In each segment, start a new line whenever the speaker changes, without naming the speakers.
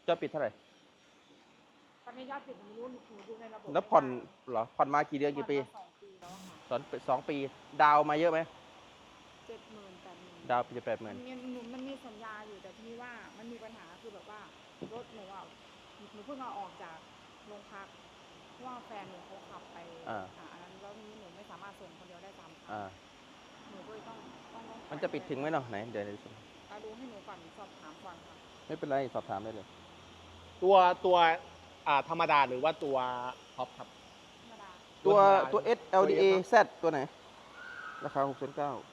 ยอดปิดเท่าไหร่
ตอนนี้ยอดปิดหนูไม่รู้หนูดูในระบบ
แล้วผ่อนเหรอผ่อนมากี่เดือนกี่ปี
2 ปีแล้วค่ะ
2 ปีดาวมาเยอะไหม
70,000 80,000
ดาวจะ80,000
มันมีสัญญาอยู่แต่ทีนี้ว่ามันมีปัญหาคือแบบว่ารถหนูอ่ะหนูเพิ่งเอาออกจากโรงพักเพราะว่าแฟนหนูเขาขับไปอันนั้นแล้วนี้หนูไม่สามารถส่งคนเดียวได้3 ครั้งหนูก็เลยต้อง
มันจะปิดถึงไหมเนาะไหนเดี๋ยว
ดูให้หนูก่อนสอบถามก่อนค่ะ
ไม่เป็นไรสอบถามได้เลย
ตัวธรรมดาหรือว่าตัวท็อปครับ
ธรรมดา
ตัว S LDA Z ตัวไหนราคา6,900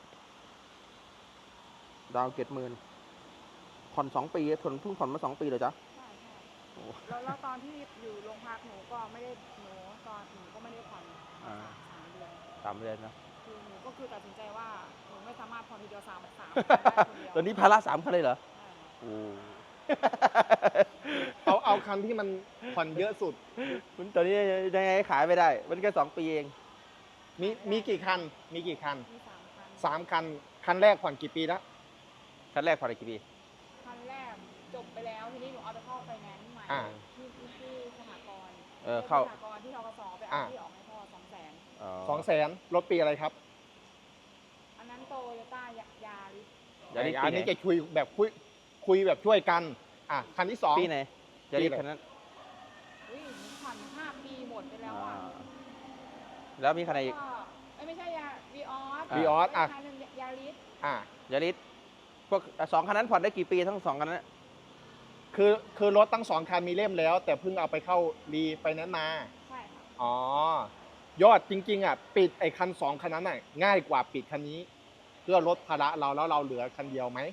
ดาว70,000ผ่อน2 ปีเพิ่งผ่อนมา2 ปีเลยจ้ะ
ใช่แล้วตอนที่อยู่โรงพักหนูก็ไม่ได้หนูก็ไม่ได้ผ่อน
3 เดือนนะ
คือหนูก็คือตัดสินใจว่าหนูไม่สามารถผ่อนทีเดียว3 ได้คนเดียว
ตอนนี้ภาระ3 คันเลยเหรอโอ้
เอาคันที่มันผ่อนเยอะสุด
มันตอนนี้ยังไงขายไม่ได้มันแค่2 ปีเอง
มีกี่คัน
มี3 คัน
3 คันคันแรกผ่อนกี่ปีแล้ว
คันแรกผ่อนกี่ปี
คันแรกจบไปแล้วทีนี้หนูเอาไปเข้าไฟแนนซ์ใหม่ที่สหกรณ์
เข้า
สหกรณ์ที่ธกสไปเอาที่ออกให้พ่อ
200,000รถปีอะไรครับ
อันนั้นโตโยต้ายาริส
อันนี้จะคุยแบบแบบช่วยกันคันที่2
ปีไหนยาริสคันนั้น
ผ่อน5 ปีหมดไปแล้ว
แล้วมีคันไหนอีก
ไม่ใช่วีออสคันนึงยาริส
ยาริสพวก2 คันนั้นผ่อนได้กี่ปีทั้ง2 คันนั้น
คือรถทั้ง2 คันมีเล่มแล้วแต่เพิ่งเอาไปเข้ารีไฟแนนซ์มา
ใช่ค่ะ
ยอดจริงๆปิดไอ้คัน2 คันนั้นง่ายกว่าปิดคันนี้เพื่อลดภาระเราแล้วเราเหลือคันเดียวไหม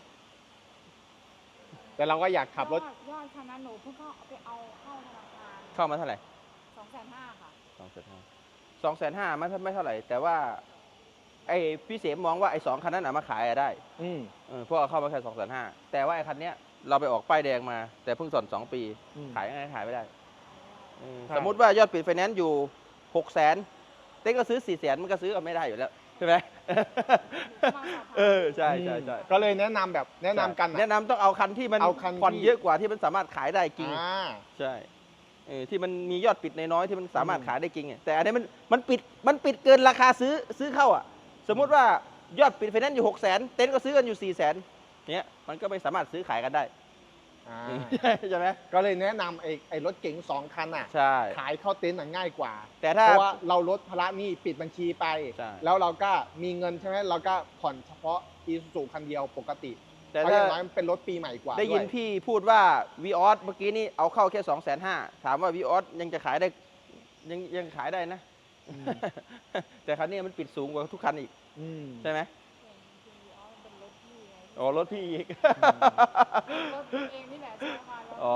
แต่เราก็อยากขับรถ
ยอดคันนั้นหนูเพิ่งไปเอาเข้าธนาคาร
เข้ามาเท่าไหร่
250,000ค่ะ
250,000ไม่เท่าไหร่แต่ว่าไอ้พี่เสมมองว่าไอ้2 คันนั้นมาขายได้เพราะเอาเข้ามาแค่250,000แต่ว่าไอ้คันเนี้ยเราไปออกป้ายแดงมาแต่เพิ่ง2 ปีขายยังไงขายไม่ได้สมมุติว่ายอดปิดไฟแนนซ์อยู่600,000เต้ก็ซื้อ400,000มันก็ซื้อกันไม่ได้อยู่แล้วใช่ไหมใช่
ก็เลยแนะนำกัน
แนะนำต้องเอาคันที่มันผ่อนเยอะกว่าที่มันสามารถขายได้จริงใช่ที่มันมียอดปิดน้อยที่มันสามารถขายได้จริงแต่อันนี้มันปิดเกินราคาซื้อเข้าสมมุติว่ายอดปิดไฟแนนซ์อยู่600,000เต็นท์ก็ซื้อกันอยู่400,000เนี้ยมันก็ไม่สามารถซื้อขายกันได้ใช่ไหม
ก็เลยแนะนำไอ้รถเก๋ง2 คันขายเข้าเต็นท์ง่ายกว่า
แต่
เพราะว่าเราลดภาระหนี้ปิดบัญชีไปแล้วเราก็มีเงินใช่ไหมเราก็ผ่อนเฉพาะอีซูซูคันเดียวปกติแต่อย่างน้อยมันเป็นรถปีใหม่กว่า
ได้ยินพี่พูดว่าวีออสเมื่อกี้นี่เอาเข้าแค่250,000ถามว่าวีออสยังจะขายได้ยังขายได้นะแต่คันนี้มันปิดสูงกว่าทุกคันอีกใช่ไหมรถพี่อีก
รถเองนี่แหละใช่ค่ะ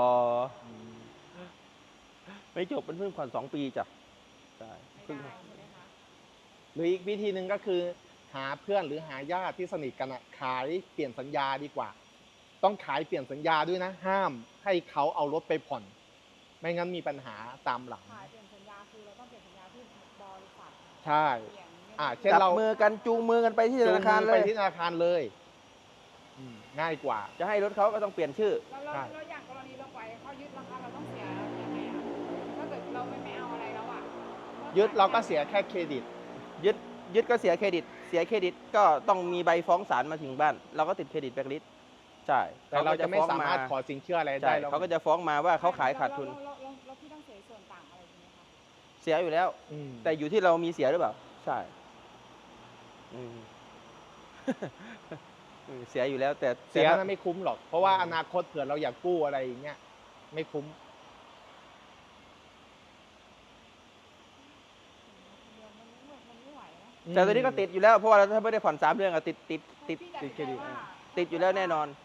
ไม่จบเป็นเพิ่งผ่อน2 ปีจ้ะใช่
เพิ่ง
หรืออีกวิธีหนึ่งก็คือหาเพื่อนหรือหาญาติที่สนิทกันขายเปลี่ยนสัญญาดีกว่าต้องขายเปลี่ยนสัญญาด้วยนะห้ามให้เขาเอารถไปผ่อนไม่งั้นมีปัญหาตามหลัง
ขายเปลี่ยนสัญญาคือเราต้องเปลี่ยนสัญญาที่บริษัท
ใช่เช่นเรา
มือกันจูงมือกันไปที่ธนาคาร
เลยง่ายกว่า
จะให้รถเขาก็ต้องเปลี่ยนชื่อ
แล้วอย่างกรณีเราปล่อยเขายึดราคาเราต้องเสียยังไงถ้าเกิดเราไม่เอาอะไรแล้ว
ยึดเราก็เสียแค่เครดิต
ยึดก็เสียเครดิตก็ต้องมีใบฟ้องศาลมาถึงบ้านเราก็ติดเครดิตแบล็คลิสต์ใช่
แต่เราจะไม่สามารถขอสินเชื่ออะไรได้
เขาก็จะฟ้องมาว่าเขาขายขาดทุน
แล้วพี่ต้องเสียส่วนต่างอะไรไหมคะ
เสียอยู่แล้วแต่อยู่ที่เรามีเสียหรือเปล่าใช่เสียอยู่แล้วแต่
เสียนะไม่คุ้มหรอกเพราะว่าอนาคตเผื่อเราอยากกู้อะไรอย่างเงี้ยไม่คุ้ม
แต่ตัวนี้ก็ติดอยู่แล้วเพราะว่าถ้าไม่ได้ผ่อน3 เดือนติดเครดิตติดอยู่แล้วแน่นอน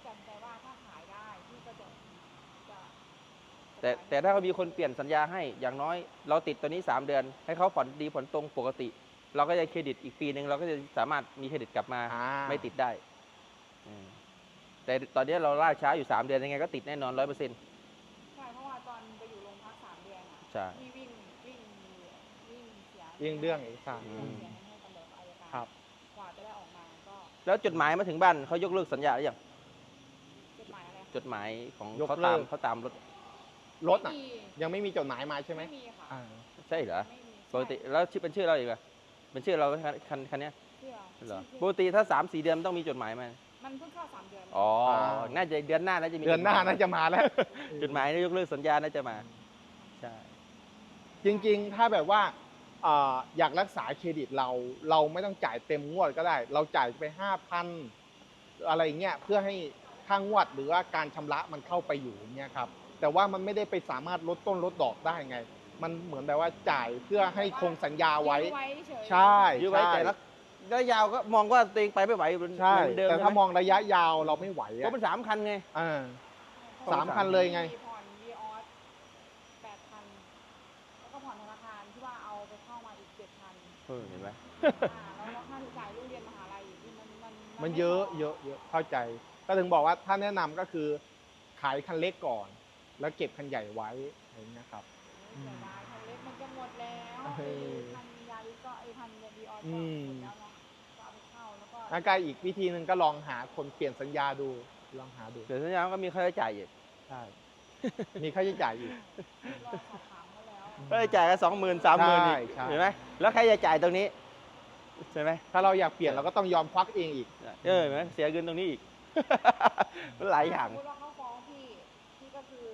แต่ถ้าเขามีคนเปลี่ยนสัญญาให้อย่างน้อยเราติดตัวนี้3 เดือนให้เขาผ่อนดีผ่อนตรงปกติเราก็จะเครดิตอีกปีนึงเราก็จะสามารถมีเครดิตกลับมาไม่ติดได้แต่ตอนนี้เราล่าช้าอยู่3 เดือนยังไงก็ติดแน่นอน100%
ใช่เพราะว่าตอนไปอยู่โรงพัก3 เดือนที่วิ่งเสีย
เรื่องอีกค่ะ
ครับกว่าจะได้ออกมาก็
แล้วจดหมายมาถึงบ้านเขายกเลิกสัญญาหรือยัง
จดหมายอะไรคะ
จดหมายของ
ยก
เขา
เลิ
ตาม
ก
เขาตามรถ
รถอ่ะ
ไม่มี
ยังไม่มีจดหมายมาใช่ไหม
ไม่มีค่ะ
อ่า
ใช่เหรอ
ไม่มี
ปกติแล้วชื่อเป็นชื่อเราอีกเหรอเป็นชื่อเราคันเนี้ย
เชื่อ
เหรอ
ชื่อ
ปกติถ้า 3-4 เดือนมันต้องมีจดหมายมา
มันเพิ่งเข้า3 เดือน
อ๋อน่าจะเดือนหน้าน่าจะมี
เดือนหน้าน่าจะมาแล้ว
จดหมายยกเลิกสัญญาน่าจะมาใช่
จริงๆ ถ้าแบบว่าอยากรักษาเครดิตเราไม่ต้องจ่ายเต็มงวดก็ได้ เราจ่ายไป 5,000 อะไรเงี้ยเพื่อให้ค่างวดหรือว่าการชำระมันเข้าไปอยู่อย่างเงี้ยครับแต่ว่ามันไม่ได้ไปสามารถลดต้นลดดอกได้ไง มันเหมือนแบบว่าจ่ายเพื่อให้คงสัญญาไว้
ยื้อไว้เฉย
ใช่
ยื้อไว้แต่ละระยะยาวก็มองว่าตัวเองไปไม่ไหว
ใช่
เหมือนเดิม
แต่
ใช่
ถ้า
ไห
ม
ม
องระยะยาวเราไม่ไหว
เพราะมัน3 คันไง
อ่า
ใช่
3,000 เลยไง
มีผ่อนวีออส8,000แล้วก็ผ่อนธนาคารที่ว่าเอาไปเข้ามาอีก7,000
เห็นไหม
แล้วค่าใช้จ่ายลูกเรียนมหาลัยอีกที่มัน
มันเยอะเยอะเยอะเข้าใจ ก็ถึงบอกว่าถ้าแนะนำก็คือขายคันเล็กก่อน แล้วเก็บคันใหญ่ไว้อะไรเงี้ยครับ
เสียดายคันเล็กมันจะหมดแล้ว
เออ
คันยาริสก็คันวีออส
อื
ก็
ม
หมดแล้วเนาะก็เอาไปเข้าแล้วก็
แล้วก็อีกวิธีหนึ่งก็ลองหาคนเปลี่ยนสัญญาดูลองหาดู
เดี๋ยวสัญญาก็มีค่าใช้จ่ายอีก
ใช่ มีค่าใช้จ่ายอีก
รอสอบถามเขาแล้ว
ค่าใช้จ่ายก็20,000-30,000อีก
ใช่
เห็นไหมแล้วใครจะจ่ายตรงนี้ใช่ไหม
ถ้าเราอยากเปลี่ยนเราก็ต้องยอมควักเองอีก
เห็นไหมเสียเงินตรงนี้อีก มันหลายอย่าง
สมมติว่าเขาฟ้องพี่ก็คือ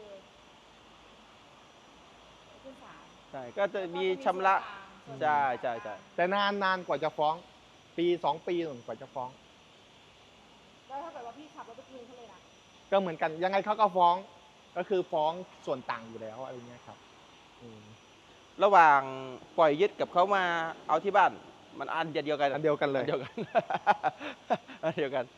ขึ้นศาล
ใช่ก็จะมีชำระ
ส่วน
ใช่
กลาง
ใช่ใช่
แต่นานกว่าจะฟ้อง ปี 2 ปีหนึ่งกว่าจะฟ้อง
แล้วถ้าเกิดว่าพี่ขับรถไปคืนเขาเลยนะ
ก็เหมือนกันยังไงเขาก็ฟ้อง ก็คือฟ้องส่วนต่างอยู่แล้วอะไรเงี้ยครับอืม
ระหว่างปล่อยยึดกับเขามาเอาที่บ้าน มันอันเดียวกัน
อันเดียวกันเลย
อันเดียวกัน อันเดียวกัน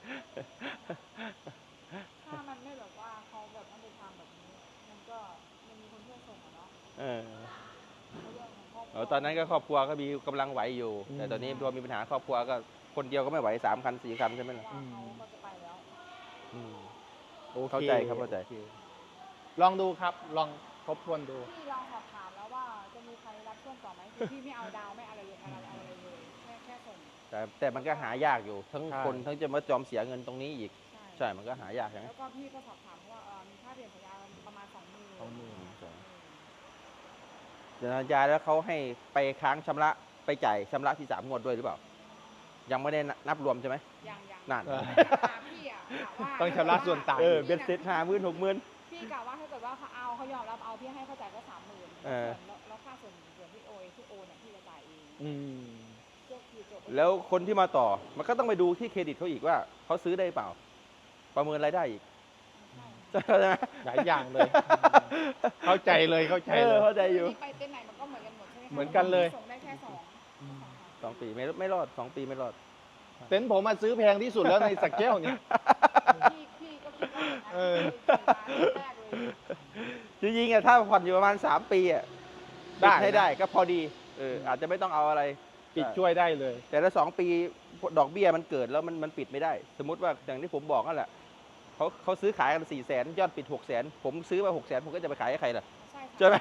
ถ้ามันไม่แบบว่าเขาแบบไม่ได้ทำแบบนี้ มันก็มันมีคนช่วยส่งอะเนาะ
เออ
เรื่องของครอบครัว
ตอนนั้นก็ครอบครัวก็มีกำลังไหวอยู่
อืม
แต่ตอนนี้พอมีปัญหาครอบครัวก็คนเดียวก็ไม่ไหว3 คัน 4 คันใช่ไหมล่ะ
ว่าเขาก็จะไปแล้ว
อืม
โอค
เข้าใจครับเข้าใจ
โอคลองดูครับลองทบทวนดู
พี่ลองสอบถามแล้วว่าจะมีใครรับช่วงต่อไหมคือพี่ไม่เอาดาวไม่อะไรเลยอะไรเลยแค่ส่ง
แต่มันก็หายากอยู่ ทั้ง
ใช่
คนทั้งจะมาจอมเสียเงินตรงนี้อีก
ใช่
ใช่ มันก็หายากใช่ไหม
แล้วก็พี่ก็สอบถามว่ามีค่าเปลี่ยนสัญญาประมาณ20,000
เดี๋ยวสัญญาแล้วเขาให้ไปค้างชำระไปจ่ายชำระที่3 งวดด้วยหรือเปล่า ยังไม่ได้นับรวมใช่ไหม
ยัง
นั่น
เออ
พี่อ่ะกะว่า
ต้องชำระส่วนต่าง
เบ็ดเสร็จ50,000-60,000
พี่กะว่าถ้าเกิดว่าเขายอมรับเอาพี่ให้เขาจ่ายก็30,000
เออ
แล้วค่าส่วนที่โอนเนี่ยพี่จะจ่ายเอง
อืม
ก็คือจบ
แล้วคนที่มาต่อ มันก็ต้องไปดูที่เครดิตเขาอีกว่าเขาซื้อได้เปล่า ประเมินรายได้อีก
ใช่
ใช่ไหม
หลายอย่างเลย เข้าใจเลยเข้าใจเลย
เข้าใจอยู่
ไปเต้นไหนมันก็เหมือนกันหมดใช่ไหมคะ
เหมือนกันเลย
ส่งได้แค่2
2 ปีไม่รอด 2 ปีไม่รอด
เต็นท์ผมมาซื้อแพงที่สุดแล้วในสักแก้วเนี่ย
พี่ก็คิดว่าอย่างนั้น
เออ
แรกเลย
จริงๆอะถ้าผ่อนอยู่ประมาณ3 ปีอะ
ได้
ปิให้
นะ
ได้ก็พอดีอาจจะไม่ต้องเอาอะไร
ปิดช่วยได้เลย
แต่ถ้า2 ปีดอกเบี้ยมันเกิดแล้วมันปิดไม่ได้ สมมติว่าอย่างที่ผมบอกนั่นแหละเขาซื้อขายกัน400,000ยอดปิด600,000ผมซื้อมา600,000ผมก็จะไปขายให้ใครล่ะ
ใช่ค่ะ
ใช่ไหม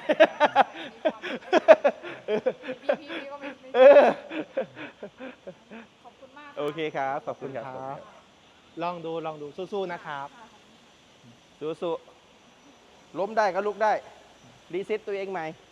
พี่ก็ไม่
เออ
ขอบคุณมาก
โอเคครับขอบคุณครับ
ครับ ลองดูสู้ๆนะครับ
สู้ๆล้มได้ก็ลุกได้ รีเซ็ตตัวเองใหม่